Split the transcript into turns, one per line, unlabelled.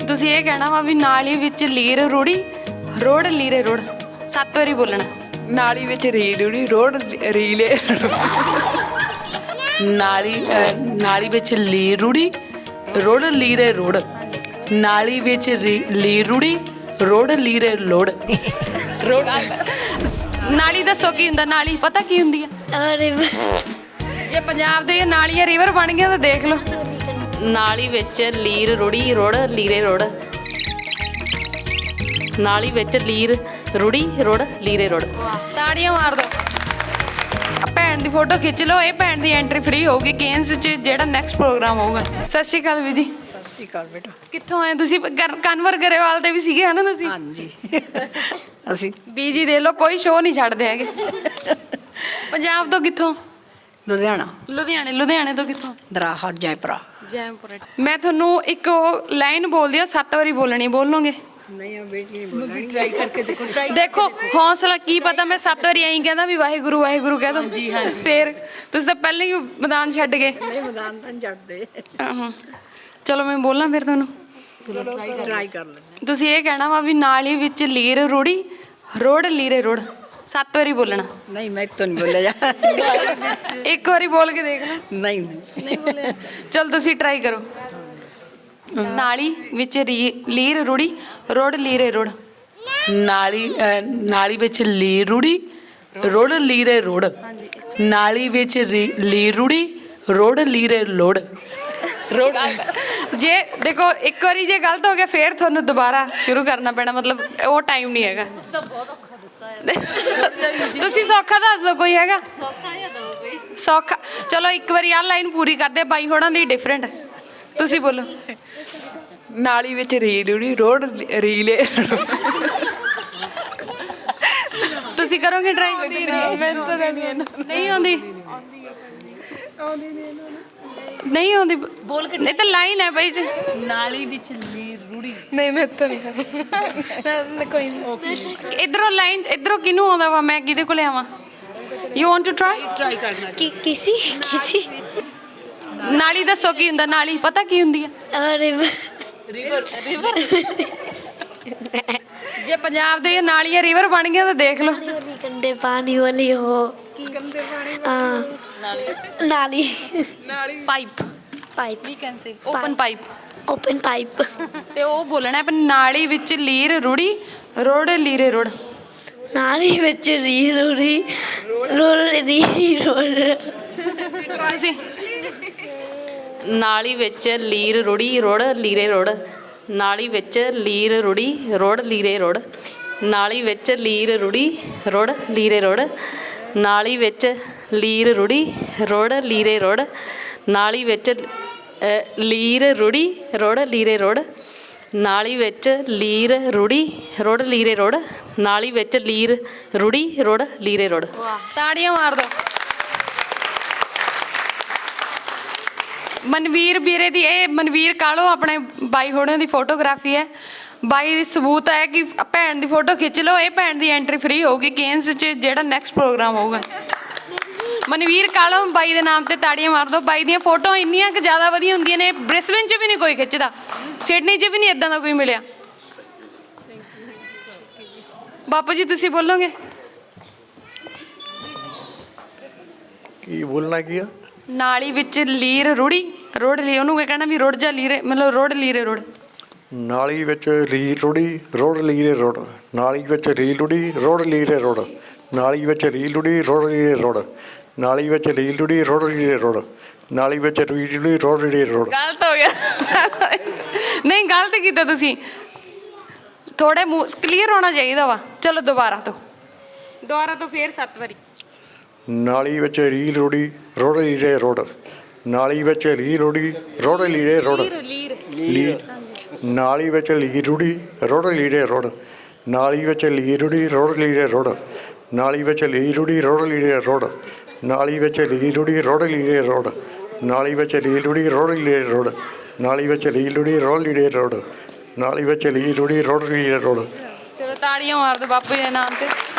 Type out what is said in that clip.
ਤੁਸੀਂ ਇਹ ਕਹਿਣਾ ਵਾ ਵੀ ਨਾਲੀ ਵਿੱਚ ਲੀਰ ਰੁੜੀ ਰੋੜ ਲੀਰੇ ਰੋੜ 7 ਵਾਰੀ ਬੋਲਣਾ।
ਨਾਲੀ ਵਿੱਚ ਰੀਲ ਰੁੜੀ ਰੋੜ ਰੀਲੇ ਨਾਲੀ ਵਿੱਚ ਲੀਰ ਰੁੜੀ ਰੋੜ ਲੀਰੇ ਰੋੜ ਨਾਲੀ ਵਿੱਚ ਲੀਰ ਰੁੜੀ ਰੋੜ ਲੀਰੇ ਲੋੜ ਰੋੜ
ਨਾਲੀ ਦੱਸੋ ਕੀ ਹੁੰਦਾ? ਨਾਲੀ ਪਤਾ ਕੀ ਹੁੰਦੀ ਆ? ਜੇ ਪੰਜਾਬ ਦੇ ਨਾਲੀਆਂ ਰਿਵਰ ਬਣ ਗਈਆਂ ਤਾਂ ਦੇਖ ਲਓ।
ਨਾਲੀ ਵਿੱਚ ਲੀਰ ਰੁੜੀ ਰੋੜ ਲੀਰੇ ਰੋੜ ਨਾਲੀ ਵਿੱਚ ਲੀਰ ਰੁੜੀ ਰੋੜ ਲੀਰੇ ਰੋੜ।
ਤਾੜੀਆਂ ਮਾਰ ਦੋ। ਭੈਣ ਦੀ ਫੋਟੋ ਖਿੱਚ ਲਓ। ਇਹ ਭੈਣ ਦੀ ਐਂਟਰੀ ਫ੍ਰੀ ਹੋਊਗੀ ਕੇਨਸ 'ਚ ਜਿਹੜਾ ਨੈਕਸਟ ਪ੍ਰੋਗਰਾਮ ਹੋਊਗਾ। ਸਤਿ ਸ਼੍ਰੀ ਅਕਾਲ ਵੀ ਜੀ।
ਸਤਿ ਸ਼੍ਰੀ ਅਕਾਲ ਬੇਟਾ।
ਕਿੱਥੋਂ ਆਏ ਤੁਸੀਂ? ਕਨਵਰ ਗਰੇਵਾਲ ਦੇ ਵੀ ਸੀਗੇ ਹਨਾ ਤੁਸੀਂ?
ਹਾਂਜੀ ਅਸੀਂ
ਬੀਜੀ ਦੇ ਲੋ ਕੋਈ ਸ਼ੋਅ ਨਹੀਂ ਛੱਡਦੇ ਹੈਗੇ। ਪੰਜਾਬ ਤੋਂ ਕਿੱਥੋਂ?
ਲੁਧਿਆਣਾ
ਲੁਧਿਆਣੇ ਤੋਂ ਕਿੱਥੋਂ?
ਦਰਾਹਾ ਜੈਪੁਰਾ।
ਜੈਮਪੁਰਾ। ਮੈਂ ਤੁਹਾਨੂੰ ਇੱਕ ਲਾਈਨ ਬੋਲਦੀ ਆ 7 ਵਾਰੀ ਬੋਲਣੀ। ਬੋਲੋਗੇ?
ਨਹੀਂ ਬੇਟੀ ਬੋਲਣੀ। ਟਰਾਈ ਕਰਕੇ ਦੇਖੋ।
ਦੇਖੋ ਹੌਸਲਾ ਕੀ ਪਤਾ ਮੈਂ 7 ਵਾਰੀ ਐਂ ਕਹਿੰਦਾ ਵੀ ਵਾਹਿਗੁਰੂ ਵਾਹਿਗੁਰੂ ਕਹਿ ਦੋ। ਜੀ ਹਾਂਜੀ। ਫੇਰ ਤੁਸੀਂ ਤਾਂ ਪਹਿਲਾਂ ਹੀ ਮੈਦਾਨ ਛੱਡ ਗਏ।
ਨਹੀਂ ਮੈਦਾਨ ਤਾਂ ਛੱਡਦੇ।
ਚਲੋ ਮੈਂ ਬੋਲਾਂ ਫਿਰ ਤੁਹਾਨੂੰ।
ਟਰਾਈ ਕਰ ਲੈਂਦੇ।
ਤੁਸੀਂ ਇਹ ਕਹਿਣਾ ਵਾ ਵੀ ਨਾਲੀ ਵਿੱਚ ਲੀਰ ਰੁੜੀ ਰੋੜ ਲੀਰੇ ਰੋੜ 7 ਵਾਰੀ ਬੋਲਣਾ।
ਨਹੀਂ ਮੈਂ ਤਾਂ ਨਹੀਂ ਬੋਲਿਆ ਜਾ।
ਇੱਕ ਵਾਰੀ ਬੋਲ ਕੇ ਦੇਖ ਲਓ।
ਨਹੀਂ
ਨਹੀਂ ਬੋਲਿਆ। ਚਲ ਤੁਸੀਂ ਟਰਾਈ ਕਰੋ। ਨਾਲੀ ਵਿੱਚ ਲੀਰ ਰੁੜੀ ਰੋੜ ਲੀਰੇ ਰੋੜ
ਨਾਲੀ ਵਿੱਚ ਲੀਰ ਰੁੜੀ ਰੋੜ ਲੀਰੇ ਰੋੜ ਨਾਲੀ ਵਿੱਚ ਲੀਰ ਰੁੜੀ ਰੋੜ ਲੀਰੇ ਲੋੜ ਰੋੜ।
ਜੇ ਦੇਖੋ ਇੱਕ ਵਾਰੀ ਜੇ ਗਲਤ ਹੋ ਗਿਆ ਫੇਰ ਤੁਹਾਨੂੰ ਦੁਬਾਰਾ ਸ਼ੁਰੂ ਕਰਨਾ ਪੈਣਾ। ਮਤਲਬ ਉਹ ਟਾਈਮ ਨਹੀਂ ਹੈਗਾ। ਤੁਸੀਂ ਸੌਖਾ ਦੱਸ ਦਿਓ ਕੋਈ ਹੈਗਾ? ਸੌਖਾ ਚਲੋ ਇੱਕ ਵਾਰੀ ਆਹ ਲਾਈਨ ਪੂਰੀ ਕਰਦੇ ਬਾਈ ਹੋਣਾ ਦੀ ਡਿਫਰੈਂਟ। ਤੁਸੀਂ ਬੋਲੋ।
ਨਾਲੀ ਵਿੱਚ ਰੀਲ ਰੁੜੀ ਰੋੜ ਰੀਲੇ।
ਤੁਸੀਂ ਕਰੋਗੇ ਟਰਾਈ? ਨਹੀਂ ਆਉਂਦੀ। ਨਹੀਂ ਆਉਂਦੀ ਬੋਲ ਕੇ। ਨਹੀਂ ਤਾਂ ਲਾਈਨ ਹੈ ਬਾਈ ਜੀ।
ਨਾਲੀ ਵਿੱਚ ਲੀਰ ਰੁੜੀ।
ਨਹੀਂ ਮੈਂ ਤਾਂ ਨਹੀਂ ਕਰੂੰ ਕੋਈ ਨਹੀਂ।
ਇਧਰੋਂ ਲਾਈਨ ਇਧਰੋਂ ਕਿਹਨੂੰ ਆਉਂਦਾ ਵਾ? ਮੈਂ ਕਿਹਦੇ ਕੋਲੇ ਆਵਾਂ? ਯੂ ਵਾਂਟ ਟੂ ਟਰਾਈ
ਕਰਨਾ।
ਕਿਸੇ
ਨਾਲੀ ਦੱਸੋ ਕੀ ਹੁੰਦਾ? ਨਾਲੀ ਪਤਾ ਕੀ ਹੁੰਦੀ ਆ?
ਰਿਵਰ
ਜੇ ਪੰਜਾਬ ਦੇ ਨਾਲੀਆਂ ਰਿਵਰ ਬਣ ਗਈਆਂ ਤਾਂ ਦੇਖ ਲਓ।
ਗੰਦੇ ਪਾਣੀ ਵਾਲੀ ਹੋ
ਗੰਦੇ ਪਾਣੀ
ਨਾਲੀ
ਪਾਈਪ
ਪਾਈਪ
ਵੀ can say open pipe.
Open pipe
ਤੇ ਉਹ ਬੋਲਣਾ ਹੈ ਨਾਲੀ ਵਿੱਚ ਲੀਰ ਰੁੜੀ ਰੋੜ ਲੀਰੇ ਰੋੜ।
ਨਾਲੀ ਵਿੱਚ ਰੀਲ ਉੜੀ
ਤੁਸੀਂ
ਨਾਲੀ ਵਿੱਚ ਲੀਰ ਰੁੜੀ ਰੋੜ ਲੀਰੇ ਰੋੜ ਨਾਲੀ ਵਿੱਚ ਲੀਰ ਰੁੜੀ ਰੋੜ ਲੀਰੇ ਰੋੜ ਨਾਲੀ ਵਿੱਚ ਲੀਰ ਰੁੜੀ ਰੋੜ ਲੀਰੇ ਰੋੜ ਨਾਲੀ ਵਿੱਚ ਲੀਰ ਰੁੜੀ ਰੋੜ ਲੀਰੇ ਰੋੜ ਨਾਲੀ ਵਿੱਚ ਲੀਰ ਰੁੜੀ ਰੋੜ ਲੀਰੇ ਰੋੜ ਨਾਲੀ ਵਿੱਚ ਲੀਰ ਰੁੜੀ ਰੋੜ ਲੀਰੇ ਰੋੜ ਨਾਲੀ ਵਿੱਚ ਲੀਰ ਰੁੜੀ ਰੋੜ ਲੀਰੇ ਰੋੜ।
ਤਾੜੀਆਂ ਮਾਰ ਦੋ। ਮਨਵੀਰ ਵੀਰੇ ਦੀ ਇਹ ਮਨਵੀਰ ਕਾਲੋ ਆਪਣੇ ਬਾਈ ਹੋਣਿਆਂ ਦੀ ਫੋਟੋਗ੍ਰਾਫੀ ਹੈ। ਬਾਈ ਦੀ ਸਬੂਤ ਹੈ ਕਿ ਭੈਣ ਦੀ ਫੋਟੋ ਖਿੱਚ ਲਓ। ਇਹ ਭੈਣ ਦੀ ਐਂਟਰੀ ਫ੍ਰੀ ਹੋਊਗੀ ਕੇਨਸ 'ਚ ਜਿਹੜਾ ਨੈਕਸਟ ਪ੍ਰੋਗਰਾਮ ਹੋਊਗਾ। ਮਨਵੀਰ ਕਾਲੋ ਬਾਈ ਦੇ ਨਾਮ ਤੇ ਤਾੜੀਆਂ ਮਾਰ ਦਿਓ। ਬਾਈ ਦੀਆਂ ਫੋਟੋ ਇੰਨੀਆਂ ਕਿ ਜ਼ਿਆਦਾ ਵਧੀਆ ਹੁੰਦੀਆਂ ਨੇ। ਬ੍ਰਿਸਬਨ 'ਚ ਵੀ ਨਹੀਂ ਕੋਈ ਖਿੱਚਦਾ, ਸਿਡਨੀ 'ਚ ਵੀ ਨਹੀਂ ਇੱਦਾਂ ਦਾ ਕੋਈ ਮਿਲਿਆ। ਬਾਪੂ ਜੀ ਤੁਸੀਂ ਬੋਲੋਗੇ?
ਕੀ ਬੋਲਣਾ ਕੀ ਆ?
ਨਾਲੀ ਵਿੱਚ ਲੀਰ ਰੁੜੀ ਰੋੜ ਲੀ ਉਹਨੂੰ ਕੀ ਕਹਿਣਾ ਵੀ ਰੁੜ ਜਾ ਲੀਰੇ ਮਤਲਬ ਰੋੜ ਲੀਰੇ ਰੋੜ।
ਨਾਲੀ ਵਿੱਚ ਰੀਲ ਰੁੜੀ ਰੋੜ ਲੀਰੇ ਰੋੜ ਨਾਲੀ ਵਿੱਚ ਰੀਲ ਰੁੜੀ ਰੋੜ ਲੀਰੇ ਰੋੜ ਨਾਲੀ ਵਿੱਚ ਰੀਲ ਰੁੜੀ ਰੋੜ ਲੀਰੇ ਰੋੜ ਨਾਲੀ ਵਿੱਚ ਰੀਲ ਰੁੜੀ ਰੋੜ ਲੀਰੇ ਰੋੜ ਨਾਲੀ ਵਿੱਚ ਰੀਲ ਰੁੜੀ ਰੋੜ ਲੀਰੇ ਰੋੜ।
ਗਲਤ ਹੋ ਗਿਆ। ਨਹੀਂ ਗਲਤ ਕੀਤਾ ਤੁਸੀਂ। ਥੋੜੇ ਮੂੰਹ ਕਲੀਅਰ ਹੋਣਾ ਚਾਹੀਦਾ ਵਾ। ਚਲੋ ਦੁਬਾਰਾ ਤੋਂ ਫੇਰ 7 ਵਾਰੀ।
ਨਾਲੀ ਵਿੱਚ ਰੀਲ ਰੁੜੀ ਰੋੜ ਲੀਰੇ ਰੋੜ ਨਾਲੀ ਵਿੱਚ ਰੀਲ ਰੁੜੀ ਰੋੜ ਲੀਰੇ ਰੋੜ ਨਾਲੀ ਵਿੱਚ ਲੀਰ ਰੁੜੀ ਰੋੜ ਲੀਰੇ ਰੋੜ ਨਾਲੀ ਵਿੱਚ ਲੀਰ ਰੁੜੀ ਰੋੜ ਲੀਰੇ ਰੋੜ ਨਾਲੀ ਵਿੱਚ ਲੀਰ ਰੁੜੀ ਰੋੜ ਲੀਰੇ ਰੋੜ ਨਾਲੀ ਵਿੱਚ ਲੀਰ ਰੁੜੀ ਰੋੜ ਲੀਰੇ ਰੋੜ ਨਾਲੀ ਵਿੱਚ ਲੀਰ ਰੁੜੀ ਰੋੜ ਲੀਰੇ ਰੋੜ ਨਾਲੀ ਵਿੱਚ ਲੀਰ ਰੁੜੀ ਰੋੜ ਲੀਰੇ ਰੋੜ ਨਾਲੀ ਵਿੱਚ ਲੀਰ ਰੁੜੀ ਰੋੜ ਲੀਰੇ ਰੋੜ।
ਚਲੋ ਤਾੜੀਆਂ ਮਾਰ ਦਿਓ ਬਾਪੂ ਜੀ ਦੇ ਨਾਮ ਤੇ।